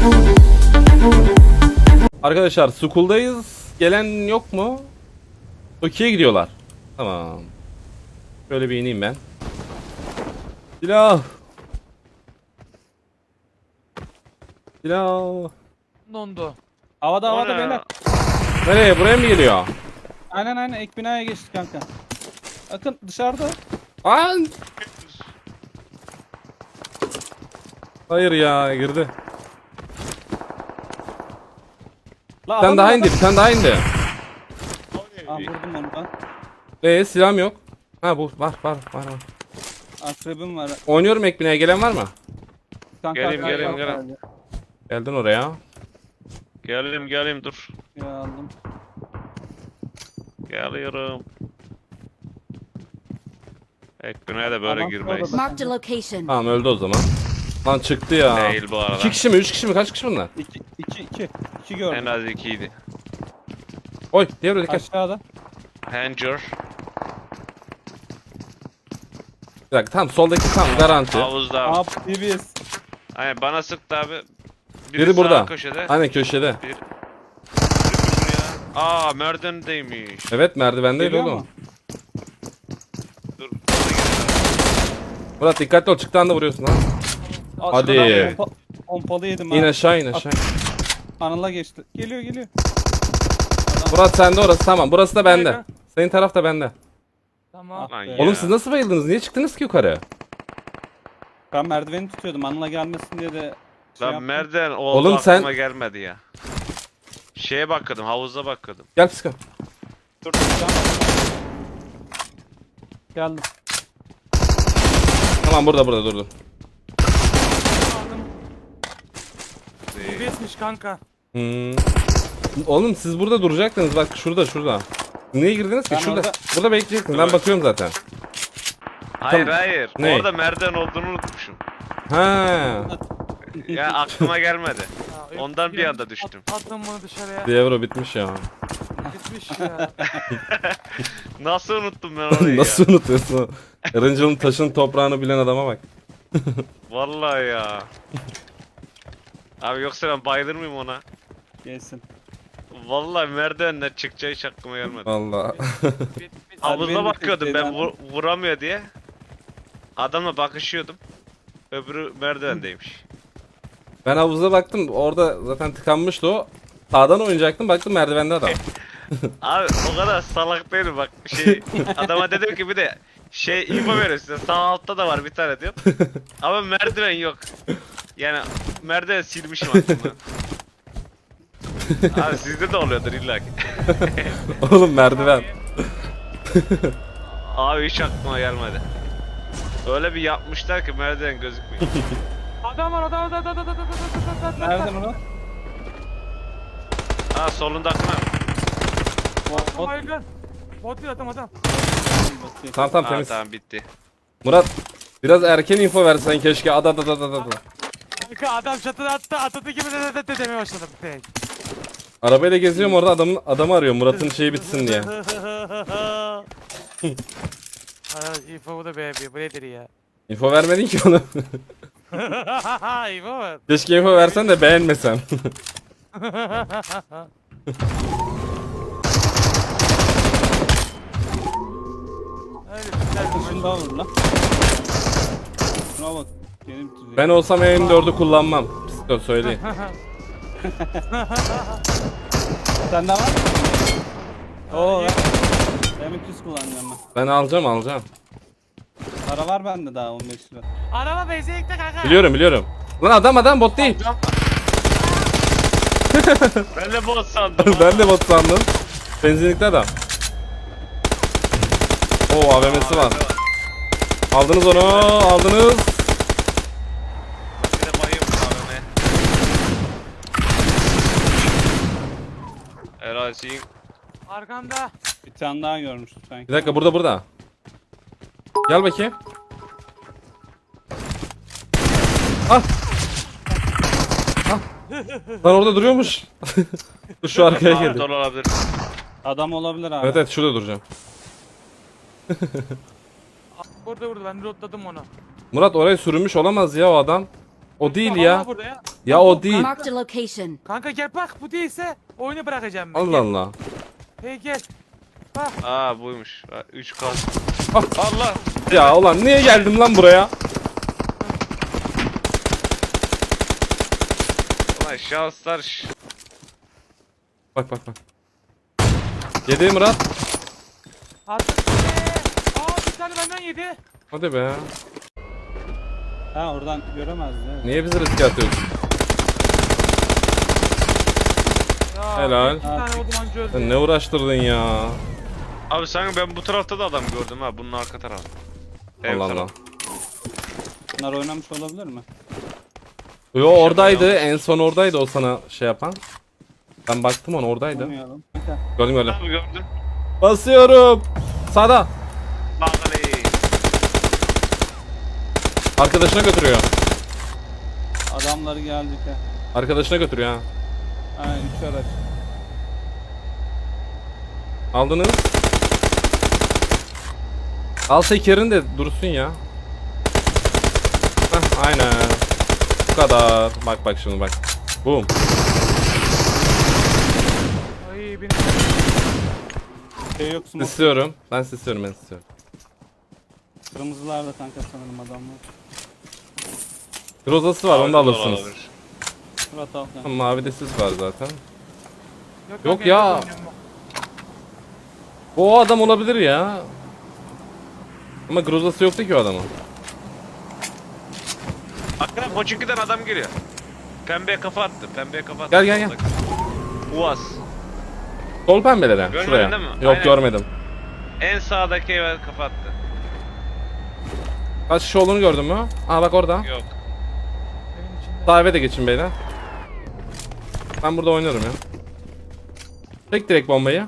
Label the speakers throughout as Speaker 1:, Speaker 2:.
Speaker 1: Arkadaşlar Skull'dayız. Gelen yok mu? Toki'ye gidiyorlar. Tamam. Şöyle bir ineyim ben. Silah. Silah.
Speaker 2: Dondu.
Speaker 3: Havada
Speaker 4: O
Speaker 3: havada
Speaker 4: ne?
Speaker 3: beyler.
Speaker 1: Nereye? Buraya mı geliyor?
Speaker 3: Aynen ek binaya geçtik kanka. Bakın dışarıda.
Speaker 1: An! Hayır ya, girdi.
Speaker 3: La
Speaker 1: Bir tane
Speaker 3: adam
Speaker 1: daha
Speaker 3: orada.
Speaker 1: indi, bir tane daha indi.
Speaker 3: Aa, vurdum onu ben.
Speaker 1: Silahım yok. Ha bu var.
Speaker 3: Akrebim var.
Speaker 1: Oynuyorum ekbineye, gelen var mı?
Speaker 3: Kanka,
Speaker 4: Geleyim,
Speaker 3: arkaya
Speaker 4: geleyim,
Speaker 3: bak
Speaker 4: geleyim.
Speaker 3: geldi.
Speaker 1: Geldin oraya.
Speaker 4: Geldim dur.
Speaker 3: Ya aldım.
Speaker 4: Geliyorum. Ekbin'e de böyle
Speaker 3: Adam
Speaker 4: girmeyiz.
Speaker 3: orada.
Speaker 5: Marked a location.
Speaker 1: Tamam öldü o zaman. Lan çıktı ya.
Speaker 4: Değil bu arada.
Speaker 1: 2 kişi mi? 3 kişi mi? Kaç kişi bunlar?
Speaker 3: İki
Speaker 4: En
Speaker 3: gördüm.
Speaker 4: az 2'ydi.
Speaker 1: Oy diğer dikkat.
Speaker 3: Aşağıda.
Speaker 4: Hanger.
Speaker 1: Bir dakika tamam soldaki tam garanti.
Speaker 4: Havuzda.
Speaker 3: Aa DBS.
Speaker 4: Aynen bana sıktı abi.
Speaker 1: Biri
Speaker 4: sağ
Speaker 1: burada.
Speaker 4: köşede.
Speaker 1: Aynen köşede.
Speaker 4: Biri buraya. Aa merdivendeymiş.
Speaker 1: Evet merdivendeydi
Speaker 3: Geliyor
Speaker 1: oğlum.
Speaker 3: mu?
Speaker 4: Dur.
Speaker 1: Murat dikkatli ol, çıktığında anda vuruyorsun ha. Hadi.
Speaker 3: Pompalı yedim
Speaker 1: İn
Speaker 3: ha.
Speaker 1: aşağı in aşağı.
Speaker 3: Anıl'a geçti. Geliyor.
Speaker 1: Murat sende orası, tamam burası da bende. Senin taraf da bende.
Speaker 2: Tamam.
Speaker 4: Lan
Speaker 3: Oğlum,
Speaker 4: ya.
Speaker 1: Oğlum siz nasıl bayıldınız? Niye çıktınız ki yukarı?
Speaker 3: Ben merdiveni tutuyordum. Anıl'a gelmesin diye de şey
Speaker 4: Lan
Speaker 3: yaptım.
Speaker 4: merdiven oldu
Speaker 1: Oğlum sen-
Speaker 4: aklıma gelmedi ya. Şeye bakıyordum, havuza bakıyordum.
Speaker 1: Gel psiko.
Speaker 3: Dur. Geldim.
Speaker 1: Tamam burada dur.
Speaker 2: DBS'miş kanka.
Speaker 1: Oğlum siz burada duracaktınız, bak şurada. Niye girdiniz ki?
Speaker 3: Ben
Speaker 1: Şurada.
Speaker 3: orada-
Speaker 1: Burada bekleyecektiniz. Ben
Speaker 4: Dur.
Speaker 1: bakıyorum zaten.
Speaker 4: Hayır
Speaker 1: Tamam.
Speaker 4: hayır.
Speaker 1: Ne?
Speaker 4: Orada merdiven olduğunu unutmuşum.
Speaker 1: Ha.
Speaker 4: Ya aklıma gelmedi.
Speaker 2: Ya,
Speaker 4: Ondan bir anda düştüm.
Speaker 2: Attım bunu dışarıya.
Speaker 1: Dievro bitmiş ya.
Speaker 2: Gitmiş ya.
Speaker 4: Nasıl unuttum ben orayı
Speaker 1: Nasıl
Speaker 4: ya?
Speaker 1: unutuyorsun? Erıncıl'ın taşın toprağını bilen adama bak.
Speaker 4: Vallahi ya. Abi yoksa ben bayılır mıyım ona?
Speaker 3: Gelsin.
Speaker 4: Vallahi merdivenden çıkacağı hiç aklıma gelmedi.
Speaker 1: Valla.
Speaker 2: Bit.
Speaker 4: Havuza
Speaker 3: benim
Speaker 4: bakıyordum ben
Speaker 3: şeyden-
Speaker 4: vuramıyor diye. Adamla bakışıyordum. Öbürü merdivendeymiş.
Speaker 1: Ben havuza baktım, orada zaten tıkanmıştı o. Sağdan oynayacaktım, baktım merdivende adam.
Speaker 4: Abi o kadar salak değilim bak adama dedim ki bir de info veriyor size sağ altta da var bir tane diyor. Ama merdiven yok. Yani merdiven silmişim aklımdan. Abi sizde de oluyordur illa ki.
Speaker 1: Oğlum merdiven.
Speaker 4: Abi hiç aklıma gelmedi. Öyle bir yapmışlar ki merdiven gözükmüyor.
Speaker 2: Adam var.
Speaker 3: Nereden o?
Speaker 4: Ha solundakine.
Speaker 3: Bot.
Speaker 2: Baygın. Bot değil adam.
Speaker 1: Tamam
Speaker 4: Ha
Speaker 1: temiz.
Speaker 4: tamam bitti.
Speaker 1: Murat biraz erken info versen keşke. Ada.
Speaker 2: Kanka adam çatıda attı. Atadı gibi de demeye başladı.
Speaker 1: Arabayla geziyorum orada, adamı arıyor Murat'ın şeyi bitsin diye.
Speaker 2: İfo bu da beğenmiyor. Bu nedir ya?
Speaker 1: Info vermedin ki onu.
Speaker 2: İfo var.
Speaker 1: Keşke info versen de beğenmesem.
Speaker 2: Öyle güzel.
Speaker 3: Şunu daha vur lan. Şuna bak. Yeni bitirecek.
Speaker 1: Ben olsam M4'ü kullanmam. Psiko söyleyeyim.
Speaker 3: Sende var mı? Oo. M200 kullanacağım ben.
Speaker 1: Ben alacağım.
Speaker 3: Para var bende daha 15 lira.
Speaker 2: Araba benzinlikte kanka.
Speaker 1: Biliyorum. Lan adam bot değil.
Speaker 4: Ben de bot sandım.
Speaker 1: Ben de bot sandım. Benzinlikte adam. Oo AVM'si var. Aldınız onu, aldınız.
Speaker 4: Bir de bayım abime. Erazi'nin
Speaker 2: Arkanda.
Speaker 3: Bir tane daha görmüştüm sanki.
Speaker 1: Bir dakika burada. Gel bakayım. Ah. Lan orada duruyormuş. Dur şu arkaya geldi.
Speaker 4: dolu olabilir.
Speaker 3: Adam olabilir abi.
Speaker 1: Evet şurada duracağım.
Speaker 2: Burada ben lootladım onu.
Speaker 1: Murat oraya sürünmüş olamaz ya o adam. O değil
Speaker 2: Adam
Speaker 1: ya.
Speaker 2: var burada ya.
Speaker 1: Ya o değil.
Speaker 5: Marked a location.
Speaker 2: Kanka gel bak bu değilse oyunu bırakacağım ben.
Speaker 1: Allah
Speaker 2: Gel.
Speaker 1: Allah.
Speaker 2: Hey gel. Bak.
Speaker 4: Aa buymuş. 3K.
Speaker 1: Ah.
Speaker 4: Allah.
Speaker 1: Ya ulan niye geldim lan buraya?
Speaker 4: Ulan şanslar.
Speaker 1: Bak bak bak. Yedi Murat.
Speaker 2: Attım. Aa bir tane benden yedi.
Speaker 1: Hadi be.
Speaker 3: Ha oradan göremezdi. Evet.
Speaker 1: Niye bizi riske atıyorsun?
Speaker 2: Ya,
Speaker 1: Helal.
Speaker 2: Bir tane vurdum anca öldü.
Speaker 1: Sen ne uğraştırdın ya?
Speaker 4: Abi sanki ben bu tarafta da adam gördüm ha. Bunun arka tarafı.
Speaker 1: Allah Allah.
Speaker 3: Bunlar oynamış olabilir mi?
Speaker 1: Yo oradaydı. En son oradaydı o sana şey yapan. Ben baktım ona oradaydı.
Speaker 3: Bilmiyorum. Kanka.
Speaker 1: Gördüm gördüm.
Speaker 4: Abi gördüm.
Speaker 1: Basıyorum. Sağda.
Speaker 4: Bakalım.
Speaker 1: Arkadaşına götürüyor.
Speaker 3: Adamları geldik ha.
Speaker 1: Arkadaşına götürüyor ha.
Speaker 3: Ha 3 araç.
Speaker 1: Aldınız. Al tekerin de dursun ya. Heh, aynen. Bu kadar. Bak bak şimdi bak. Boom.
Speaker 2: Ay benim.
Speaker 3: Şey yok smoke.
Speaker 1: Sisliyorum. Ben sisliyorum ben sisliyorum.
Speaker 3: Kırmızılar da kanka sanırım adamlar.
Speaker 1: Grozası var onu da alırsınız.
Speaker 3: Murat al kanka.
Speaker 1: Mavi de sis var zaten. Yok
Speaker 2: kanka,
Speaker 1: ya.
Speaker 2: evde oynuyorum ben.
Speaker 1: O adam olabilir ya. Ama grozası yoktu ki o adamın.
Speaker 4: Akran Koçinki'den adam geliyor. Pembeye kafa attı. Pembeye kafa attı.
Speaker 1: Gel, gel, gel.
Speaker 4: Uaz.
Speaker 1: Sol pembelere.
Speaker 4: Görmedin
Speaker 1: Şuraya.
Speaker 4: değil mi?
Speaker 1: Yok
Speaker 4: Aynen.
Speaker 1: görmedim.
Speaker 4: En sağdaki eve kafa attı.
Speaker 1: Kaç kişi olduğunu gördün mü? Aa bak orada.
Speaker 4: Yok.
Speaker 2: Evin içinde.
Speaker 1: Sağ eve de geçin beyler. Ben burada oynarım ya. Çek direkt bombayı.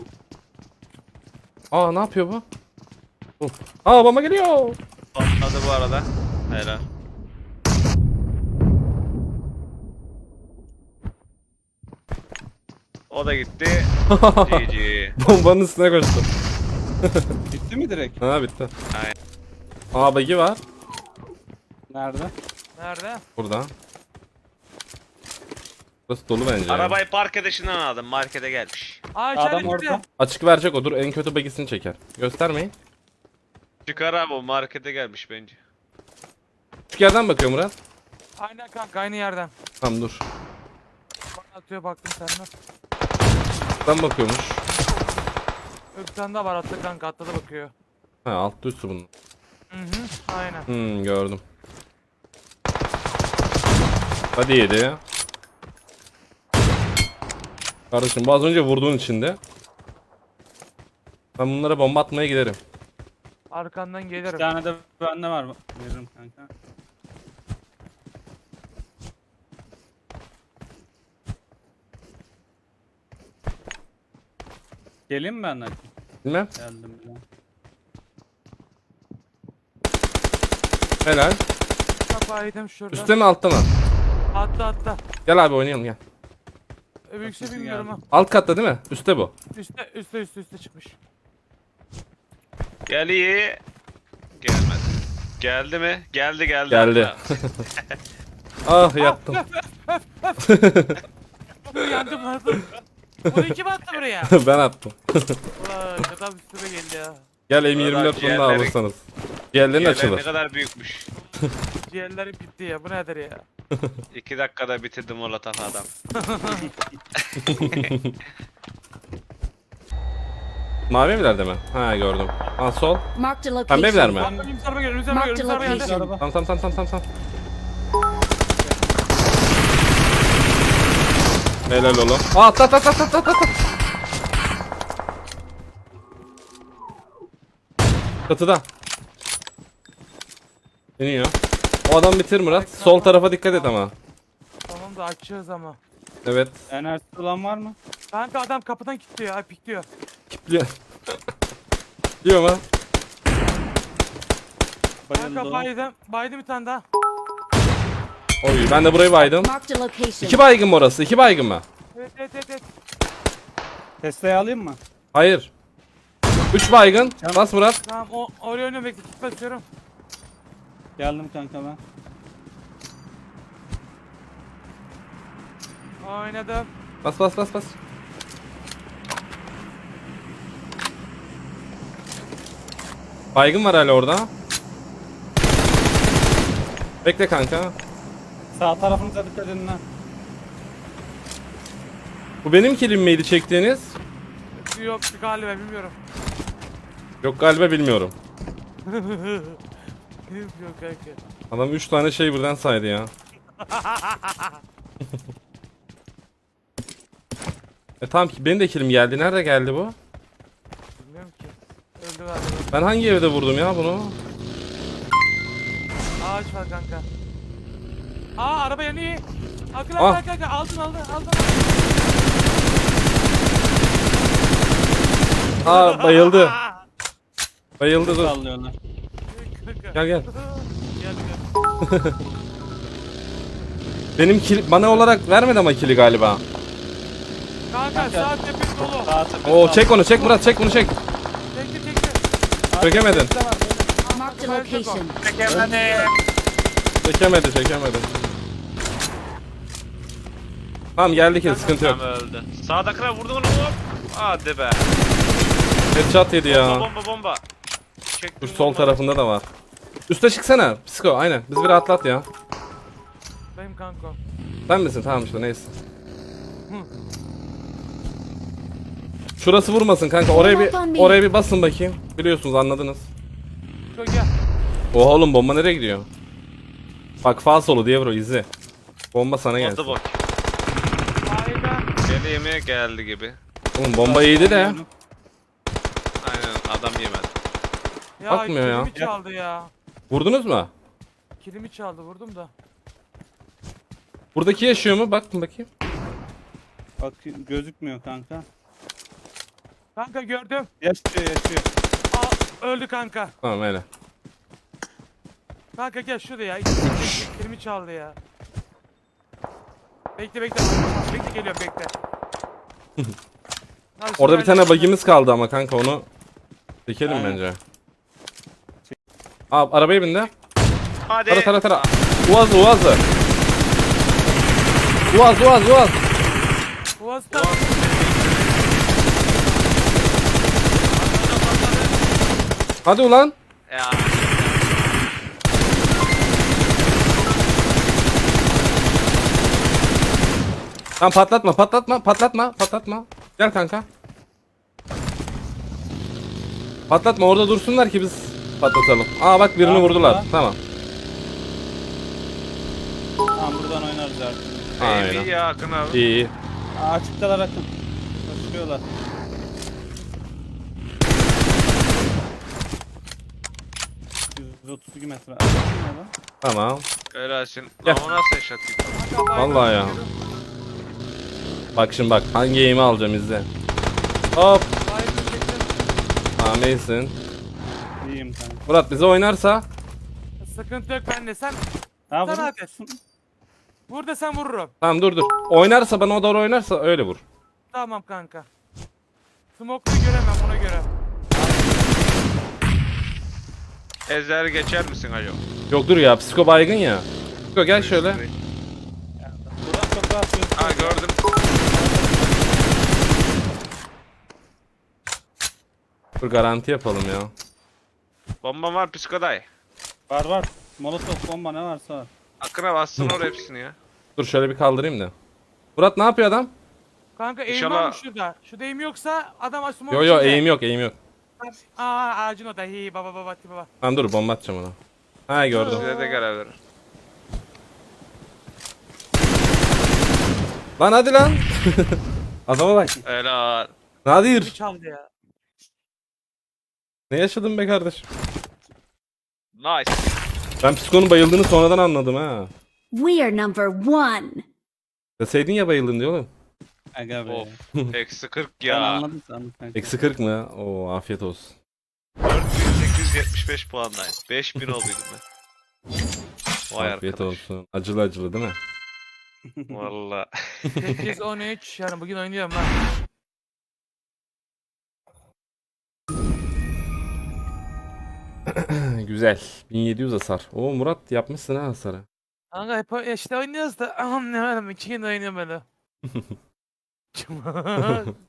Speaker 1: Aa ne yapıyor bu? Aa bomba geliyor.
Speaker 4: Patladı bu arada. Helal. O da gitti. GG.
Speaker 1: Bombanın üstüne koştu.
Speaker 3: Bitti mi direkt?
Speaker 1: Ha bitti.
Speaker 4: Aynen.
Speaker 1: Aa bagi var.
Speaker 3: Nerede?
Speaker 2: Nerede?
Speaker 1: Burada. Burası dolu bence. ya.
Speaker 4: Arabayı park edişinden aldım. Markete gelmiş.
Speaker 2: Aa içeride
Speaker 3: Adam
Speaker 2: gitti.
Speaker 3: orada.
Speaker 1: Açık verecek odur. En kötü bagisini çeker. Göstermeyin.
Speaker 4: Çıkar abi o markete gelmiş bence.
Speaker 1: Küçük yerden bakıyor Murat.
Speaker 2: Aynen kanka aynı yerden.
Speaker 1: Tamam dur.
Speaker 2: Bana atıyor baktım senden.
Speaker 1: Buradan bakıyormuş.
Speaker 2: Öbür tane daha var attı kanka atladı bakıyor.
Speaker 1: Ha altta üstü bunun.
Speaker 2: Hı hı aynen.
Speaker 1: Gördüm. Hadi yedi. Kardeşim bu az önce vurduğun içinde. Ben bunlara bomba atmaya giderim.
Speaker 2: Arkandan
Speaker 3: Bir
Speaker 2: gelirim.
Speaker 3: tane de bende var. Veririm kanka. Geleyim mi ben de?
Speaker 1: Bilmem.
Speaker 3: Geldim bile.
Speaker 1: Helal.
Speaker 2: Kapağı yedim şurada.
Speaker 1: Üstte mi altta mı?
Speaker 2: Atla.
Speaker 1: Gel abi oynayalım gel.
Speaker 2: Öbürküsü
Speaker 3: Kapısı
Speaker 2: bilmiyorum ha.
Speaker 3: geldi.
Speaker 1: Alt katta değil mi? Üstte bu.
Speaker 2: Üste çıkmış.
Speaker 4: Geliyor. Gelmedi. Geldi mi? Geldi.
Speaker 1: Geldi.
Speaker 4: Hatta.
Speaker 1: Ah yattım.
Speaker 2: Yandım yandım. Bunu kim attı buraya?
Speaker 1: Ben attım.
Speaker 2: Ulan adam üstüme geldi ya.
Speaker 1: Gel
Speaker 4: Vallahi
Speaker 1: M24 bunu da
Speaker 4: ciğerleri-
Speaker 1: alırsanız. Diğerlerin
Speaker 4: Yerler ne
Speaker 1: açılır.
Speaker 4: kadar büyükmüş.
Speaker 2: Ciğerlerim gitti ya bu nedir ya?
Speaker 4: 2 dakikada bitirdim molotof adam.
Speaker 1: Mavi evlerde mi? Ha gördüm. Ha sol.
Speaker 5: Marked a
Speaker 1: Pembe evler
Speaker 5: location.
Speaker 1: mi?
Speaker 2: Önümüz araba geldi, önümüz araba geldi, önümüz araba geldi.
Speaker 5: Location.
Speaker 3: Araba.
Speaker 1: Tamam. Helal oğlum. Aa at. Çatıda. İniyor. O adam bitir Murat. Sol tarafa dikkat et ama.
Speaker 2: Tamam da açıyoruz ama.
Speaker 1: Evet.
Speaker 3: Enerjisi olan var mı?
Speaker 2: Kanka adam kapıdan kilitliyor, ay pikliyor.
Speaker 1: Kipliyor. Diyor mu?
Speaker 2: Kanka
Speaker 3: Bayıldı.
Speaker 2: baydım bir tane daha.
Speaker 1: Oy ben de burayı baydım.
Speaker 5: Marked a location.
Speaker 1: 2 baygın mı orası? 2 baygın mı?
Speaker 2: Evet.
Speaker 3: Tesla'yı alayım mı?
Speaker 1: Hayır. 3 baygın. Bas Murat.
Speaker 2: Tamam oraya önüne bekle, kit basıyorum.
Speaker 3: Geldim kanka ben.
Speaker 2: Oynadım.
Speaker 1: Bas bas bas bas. Baygın var hala orada. Bekle kanka.
Speaker 3: Sağ tarafınıza dikkat edin lan.
Speaker 1: Bu benim kilim miydi çektiğiniz?
Speaker 2: Yok galiba bilmiyorum.
Speaker 1: Yok galiba bilmiyorum.
Speaker 2: Yok kanka.
Speaker 1: Adam 3 tane şey birden saydı ya. Tamam ki benim de kilim geldi. Nerede geldi bu?
Speaker 2: Bilmiyorum ki. Öldü galiba.
Speaker 1: Ben hangi evde vurdum ya bunu?
Speaker 2: Ağaç var kanka. Aa araba yanıyor. Akıl
Speaker 1: Ah.
Speaker 2: akıl kanka aldın.
Speaker 1: Aa bayıldı. Bayıldı dur.
Speaker 3: Sallıyorlar.
Speaker 2: Kanka.
Speaker 1: Gel gel.
Speaker 2: Gel.
Speaker 1: Benim kill bana olarak vermedi ama kili galiba.
Speaker 2: Kanka sağ tepesi dolu.
Speaker 3: Sağ tepe.
Speaker 1: Oo çek onu çek Murat çek bunu çek.
Speaker 2: Çekti.
Speaker 1: Çekemedin.
Speaker 5: Marked a location.
Speaker 1: Çekemedi. Tamam geldi kill sıkıntı yok.
Speaker 4: Tam öldü. Sağdakine vurdun onu hop. Hadi be.
Speaker 1: Headshot yedi ya.
Speaker 4: Bomba.
Speaker 1: Dur
Speaker 4: Çektim
Speaker 1: sol
Speaker 4: bomba.
Speaker 1: tarafında da var. Üste çıksana. Psiko aynen. Biz bir atlat ya.
Speaker 2: Benim kanka.
Speaker 1: Sen misin? Tamam işte neyse. Şurası vurmasın kanka. Oraya bir basın bakayım. Biliyorsunuz anladınız.
Speaker 2: Çok gel.
Speaker 1: Oha oğlum bomba nereye gidiyor? Bak sağ solu diye bro izle. Bomba sana gelsin.
Speaker 4: Oldu bak.
Speaker 2: Aynen.
Speaker 4: Gel yemeğe geldi gibi.
Speaker 1: Oğlum bomba iyiydi de.
Speaker 4: Aynen adam yemedi.
Speaker 2: Ya
Speaker 1: Bakmıyor ya.
Speaker 2: kilimi çaldı ya.
Speaker 1: Vurdunuz mu?
Speaker 2: Kilimi çaldı vurdum da.
Speaker 1: Buradaki yaşıyor mu? Bakın bakayım.
Speaker 3: Bak gözükmüyor kanka.
Speaker 2: Kanka gördüm.
Speaker 3: Yaşıyor.
Speaker 2: Aa, öldü kanka.
Speaker 1: Tamam öyle.
Speaker 2: Kanka gel şurada ya. Kilimi çaldı ya. Bekle. Bekle geliyorum bekle. Abi,
Speaker 1: Orada bir
Speaker 2: sırayla-
Speaker 1: tane bagimiz kaldı ama kanka onu çekelim
Speaker 3: Aynen.
Speaker 1: bence. Abi arabaya bindi.
Speaker 4: Hadi.
Speaker 1: Tara. Uaz.
Speaker 2: Boğaz'da.
Speaker 1: Hadi ulan.
Speaker 4: Ya.
Speaker 1: Tamam patlatma. Gel kanka. Patlatma orada dursunlar ki biz patlatalım. Aa bak birini
Speaker 3: Tamam,
Speaker 1: vurdular.
Speaker 3: burada.
Speaker 1: Tamam.
Speaker 3: Tamam buradan oynarız artık.
Speaker 1: Aynen.
Speaker 4: İyi ya Akın abi.
Speaker 1: İyi.
Speaker 3: Açıktalar akın. Koşuyorlar. ...132 metre. Açık mı lan?
Speaker 1: Tamam.
Speaker 4: Helalsin.
Speaker 1: Gel.
Speaker 4: Lan o nasıl eşat gitti?
Speaker 1: Vallahi ya. Bak şimdi bak hangi aim'i alacağım izle. Hop. Tamam iyisin.
Speaker 3: İyiyim kanka.
Speaker 1: Murat bize oynarsa
Speaker 2: Sıkıntı yok bende. Sen
Speaker 3: Ha
Speaker 2: Sen
Speaker 3: vur.
Speaker 2: ateş. vur desen vururum.
Speaker 1: tamam dur. Oynarsa bana o doğru oynarsa öyle vur.
Speaker 2: Tamam kanka. Smoke'u göremem ona göre.
Speaker 4: Ezer geçer misin acaba?
Speaker 1: Yok dur ya psiko baygın ya. Psiko gel şöyle.
Speaker 3: Buradan çok rahat gözüküyor.
Speaker 4: Ha gördüm.
Speaker 1: Dur garanti yapalım ya.
Speaker 4: Bomba var psikoday.
Speaker 3: Var. Molotof bomba ne varsa var.
Speaker 4: Akın'a bassın oraya hepsini ya.
Speaker 1: Dur şöyle bir kaldırayım da. Murat ne yapıyor adam?
Speaker 2: Kanka eğim
Speaker 4: İnşallah-
Speaker 2: var mı şurada? Şurada eğim yoksa adam smoke
Speaker 1: Yo
Speaker 2: içinde.
Speaker 1: eğim yok.
Speaker 2: Aa ağacın o da. Hi baba.
Speaker 1: Tamam dur bomba atacağım ona. Ha gördüm.
Speaker 4: Size de görev verir.
Speaker 1: Lan hadi lan. Adama bak.
Speaker 4: Helal.
Speaker 2: Bir
Speaker 1: Nadir.
Speaker 2: çaldı ya.
Speaker 1: Ne yaşadın be kardeşim?
Speaker 4: Nice.
Speaker 1: Ben psikonun bayıldığını sonradan anladım ha.
Speaker 5: We are number one.
Speaker 1: Deseydin ya bayıldın diyor oğlum.
Speaker 3: Aga be.
Speaker 4: Of. Eksi 40
Speaker 3: Ben
Speaker 4: ya.
Speaker 3: anladım sandım kanka.
Speaker 1: Eksi 40 mı? Oo afiyet olsun.
Speaker 4: 4875 puandayım. 5000 olduydum ben. Vay
Speaker 1: Afiyet
Speaker 4: arkadaş.
Speaker 1: olsun. Acılı değil mi?
Speaker 4: Valla.
Speaker 2: 8-13 yani bugün oynuyorum lan.
Speaker 1: Güzel. 1700 hasar. Oo Murat yapmışsın ha hasarı.
Speaker 2: Kanka hep işte oynuyoruz da. Ne var 2 gün oynuyorum böyle. Cuma.